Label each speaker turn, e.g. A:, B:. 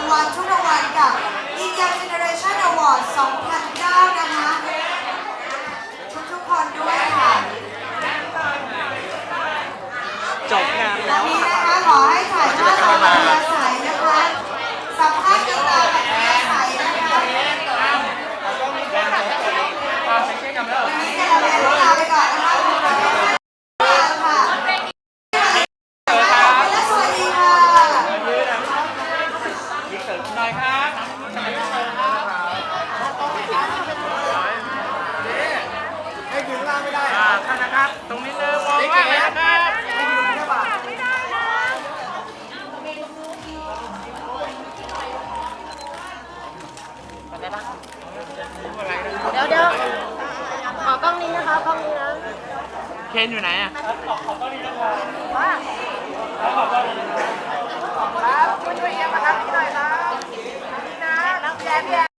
A: วัลทุกรางวัลกับ Indian Generation Award 2009 นะคะทุกคนด้วยค่ะ
B: จบงาน
A: ตอนนี้นะคะขอให้ถ่ายภาพตามอัธยาศัยนะคะสัมภาษณ์กันตามอัธยาศัยนะคะวันนี้ก็เราลาไปก่อนนะคะขอบคุณค่ะและสวัสดีค่ะ
B: ยิงเสริมหน่อยครับให้ยืนล่างไม่ได้ท่านนะครับตรงนี้เลยมองว่าอะไรนะครับให้ยืนแค่บาท
C: เดี๋ยวขอกล้องนี้นะคะกล้องนี้นะ
B: เคนอยู่ไหนอ่ะ
C: ครับช่วยเอียงมาครับนี่หน่อยครับนี่นะแย่